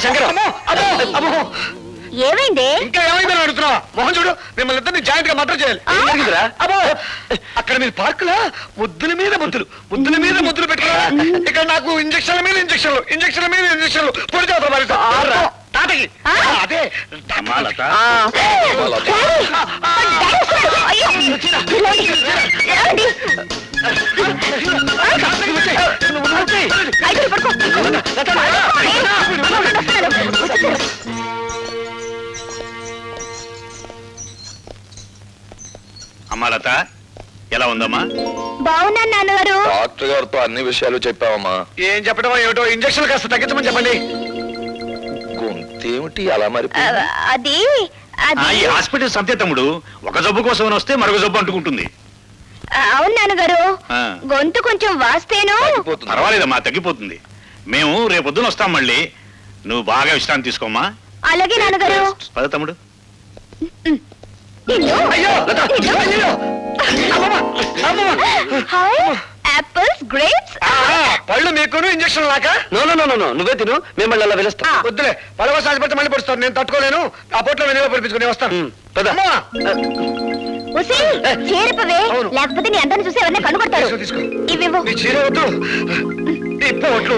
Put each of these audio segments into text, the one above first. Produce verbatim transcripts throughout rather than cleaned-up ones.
ఏమైంది? ఇంకా ఏమైందని అడుగుతున్నావా? మోహన్ చూడు, మిమ్మల్ని ఇద్దరిని జాయింట్ గా మర్డర్ చేయాలి. అబ్బో, అక్కడ మీరు పార్కులా ముద్దుల మీద ముద్దులు ముద్దుల మీద ముద్దులు పెట్టారా? ఇక్కడ నాకు ఇంజక్షన్ల మీద ఇంజక్షన్లు ఇంజక్షన్ల మీద ఇంజక్షన్లు పొడి చేస్తారు మరి తాతకి. అదే అమ్మా లత, ఎలా ఉందమ్మా? బాగున్నాను నాన్నగారు. డాక్టర్ గారితో అన్ని విషయాలు చెప్పావమ్మా? ఏం చెప్పడం ఏమిటో, ఇంజక్షన్ కాస్త తగ్గించమని చెప్పండి. గొంతేమిటి అలా మరి? అది ఈ హాస్పిటల్ సంతే తమ్ముడు, ఒక జబ్బు కోసం వస్తే మరొక జబ్బు అంటుకుంటుంది. అవును నాన్నగారు, గొంతు కొంచెం వాస్తేను. పర్వాలేదమ్మా, తగ్గిపోతుంది. మేము రేపొద్దున వస్తాం మళ్ళీ. నువ్వు బాగా విశ్రాంతి తీసుకోమ్మా. అలాగే నాన్నగారు. పద తమ్ముడు. Apples, grapes. పళ్ళు మీకును ఇంజక్షన్ లాక? నో నో నో నో నువ్వే తిను, మేము మళ్ళీ అలా పిలుస్తాం. వద్దులే, పడవ సాచి పెడితే మళ్ళీ పడుస్తాను. నేను తట్టుకోలేను. ఆ పొట్లో వెనుక పడిపించుకుని వస్తాను. చేరిపోవే, లేకపోతే నీ అందరిని చూసి ఎవరిని కనుగొడతారు. తీసుకో. ఇవివ్వు. నీ చీర వద్దు, ఈ పొట్లు.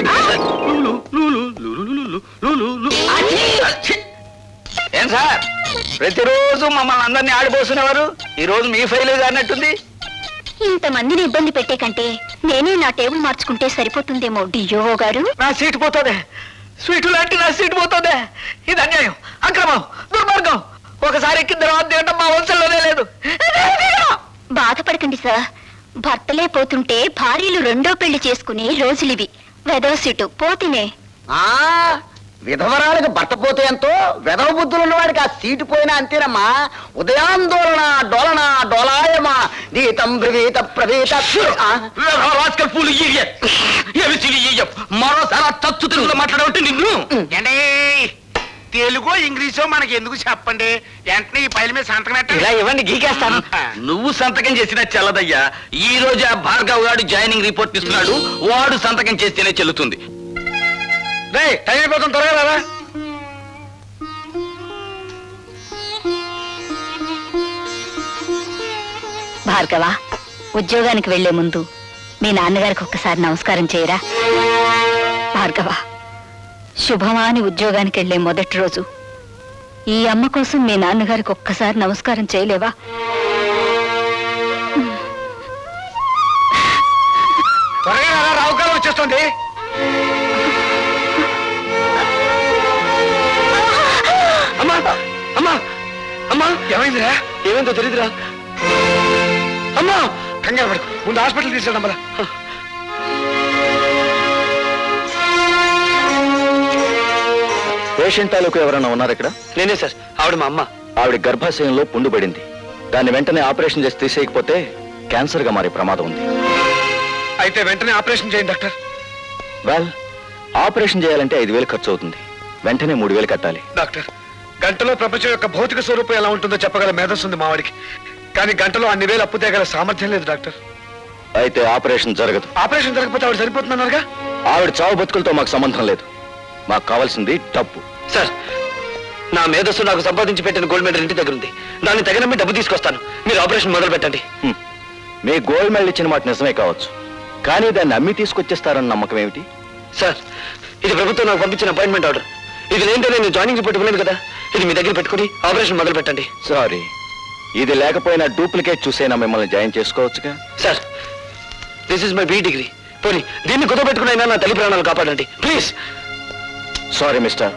ఏం సార్, ప్రతిరోజు మమ్మల్ని అందరినీ ఆడిపోస్తున్నవారు ఈ రోజు మీ ఫైల్ అన్నట్టుంది. ఇంతమందిని ఇబ్బంది పెట్టే కంటే నేనే నా టేబుల్ మార్చుకుంటే సరిపోతుందేమో డియో గారు. నా సీటు పోతుందే, స్వీటు లాంటి నా సీటు పోతుందే. ఇది అన్యాయం, అక్రమం, దుర్మార్గం. ఒకసారి ఎక్కిన తర్వాత తినడం మా వంశంలోనే లేదు. బాధపడకండి సార్, భర్తలే పోతుంటే భార్యలు రెండో పెళ్లి చేసుకునే రోజులివి. వెదవ సీటు పోతినే. ఆ విధవరాలకు భర్త పోతే ఎంతో, వెధవ బుద్ధులు ఉన్నవాడికి ఆ సీటు పోయినా అంతేనమ్మా. ఉదయాందోళన డోలన డోలాయమా గీతం బ్రవీత ప్రవీత. మరోసారి తచ్చు తెలుగులో మాట్లాడబట్టి నిన్ను తెలుగు ఇంగ్లీషు మనకి ఎందుకు చెప్పండి, వెంటనే ఈ పైల మీద సంతకం పెట్టండి. ఇలా ఇవ్వండి, గీకేస్తాను. నువ్వు సంతకం చేసినా చెల్లదయ్యా. ఈ రోజు ఆ భార్గవ్ గారు జాయినింగ్ రిపోర్ట్ ఇస్తున్నాడు, వాడు సంతకం చేస్తేనే చెల్లుతుంది. రే, టైం అయిపోతుంది, త్వరగా రారా. భార్గవ, ఉద్యోగానికి వెళ్లే ముందు మీ నాన్నగారికి ఒక్కసారి నమస్కారం చేయరా. భార్గవ, శుభమా అని ఉద్యోగానికి వెళ్లే మొదటి రోజు ఈ అమ్మ కోసం మీ నాన్నగారికి ఒక్కసారి నమస్కారం చేయలేవా? త్వరగా రారా, రావుకాలం వచ్చేస్తుంది. అమ్మా అమ్మా అమ్మా, ఏమైందిరా? ఏమైందో తెలీదురా. అమ్మా, కంగారు పడుకు, ముందు హాస్పిటల్ తీసుకెళ్దాం మళ్ళా. పేషెంట్ తాలూకు ఎవరైనా ఉన్నారు ఇక్కడ? నేనే సార్, ఆవిడ మా అమ్మ. ఆవిడ గర్భాశయంలో పుండు పడింది. దాన్ని వెంటనే ఆపరేషన్ చేసి తీసేయకపోతే క్యాన్సర్ గా మారే ప్రమాదం ఉంది. అయితే వెంటనే ఆపరేషన్ చేయండి డాక్టర్. వెల్, ఆపరేషన్ చేయాలంటే ఐదు వేలు ఖర్చు అవుతుంది. వెంటనే మూడు వేలు కట్టాలి. డాక్టర్, గంటలో ప్రపంచం యొక్క భౌతిక స్వరూపం ఎలా ఉంటుందో చెప్పగల మేధస్సు ఉంది మావాడికి. కానీ గంటలో అన్ని వేలు అప్పు తేగల సామర్థ్యం లేదు డాక్టర్. అయితే ఆపరేషన్ జరగదు. ఆపరేషన్ జరగకపోతే ఆవిడ సరిపోతుందన్నారుగా. ఆవిడ చావు బతుకులతో మాకు సంబంధం లేదు. మాకు కావాల్సింది డబ్బు. సార్, నా మేధస్సు నాకు సంపాదించి పెట్టిన గోల్డ్ మెడల్ ఇంటి దగ్గర ఉంది. దాన్ని తగినమ్మి డబ్బు తీసుకొస్తాను. మీరు ఆపరేషన్ మొదలు పెట్టండి. మీ గోల్డ్ మెడల్ ఇచ్చిన మాట నిజమే కావచ్చు, కానీ దాన్ని అమ్మి తీసుకొచ్చేస్తారన్న నమ్మకం ఏమిటి? సార్, ఇది ప్రభుత్వం నాకు పంపించిన అపాయింట్మెంట్ ఆర్డర్. ఇది లేదంటే నేను జాయినింగ్ రిపోర్ట్ ఇవ్వలేదు కదా. ఇది మీ దగ్గర పెట్టుకుని ఆపరేషన్ మొదలు పెట్టండి. సారీ, ఇది లేకపోయినా డూప్లికేట్ చూసైనా మిమ్మల్ని జాయిన్ చేసుకోవచ్చుగా. Sir, this is my B degree. పోనీ దీన్ని కుదపెట్టుకునైనా నా తల్లి ప్రాణాలు కాపాడండి ప్లీజ్. Sorry mister.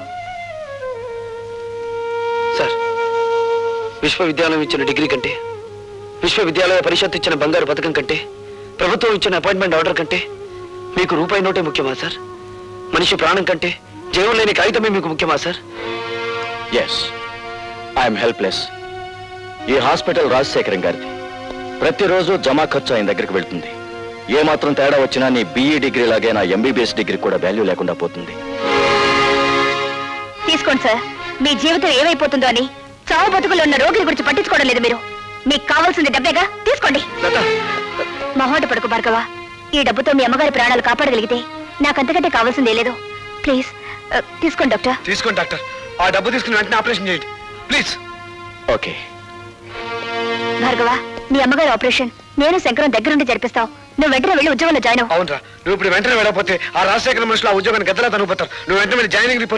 సార్, విశ్వవిద్యాలయం ఇచ్చిన డిగ్రీ కంటే, విశ్వవిద్యాలయ పరిషత్ ఇచ్చిన బంగారు పథకం కంటే, ప్రభుత్వం ఇచ్చిన అపాయింట్మెంట్ ఆర్డర్ కంటే మీకు రూపాయి నోటే ముఖ్యమా సార్? మనిషి ప్రాణం కంటే జీవం లేని కాగితమే మీకు ముఖ్యమా సార్? Yes, I'm helpless. ఈ హాస్పిటల్ రాజశేఖరం గారిది. ప్రతిరోజు జమా ఖర్చు ఆయన దగ్గరికి వెళ్తుంది. ఏ మాత్రం తేడా వచ్చినా నీ బీఈ డిగ్రీ లాగే నా ఎంబీబీఎస్ డిగ్రీ కూడా వాల్యూ లేకుండా పోతుంది. తీసుకోండి సార్. మీ జీవితం ఏమైపోతుందో అని చావు బతుకులు ఉన్న రోగుల గురించి పట్టించుకోవడం లేదు మీరు. మీకు కావాల్సింది డబ్బేగా, తీసుకోండి. మహోట పడుకు భార్గవ, ఈ డబ్బుతో మీ అమ్మగారి ప్రాణాలు కాపాడగలిగితే నాకంతకంటే కావాల్సిందే లేదు. ప్లీజ్ ఆ, తీసుకోండి డాక్టర్. తీసుకోండి డాక్టర్, ఆ డబ్బు తీసుకుని వెంటనే ఆపరేషన్ చేయండి ప్లీజ్. ఓకే. భార్గవ, మీ అమ్మగారి ఆపరేషన్ నేను శంకరం దగ్గరుండి జరిపిస్తావు. నువ్వు వెంటనే వెళ్ళి ఉద్యోగంలో జాయిన్ అవ్వు. అవునరా, నువ్వు ఇప్పుడు వెంటనే వెళ్ళకపోతే ఆ రాజశేఖర మనుషులు ఆ ఉద్యోగాన్ని గద్దలా తనుకుపోతారు. నువ్వు వెంటనే వెళ్ళి జాయినింగ్ రిపోర్ట్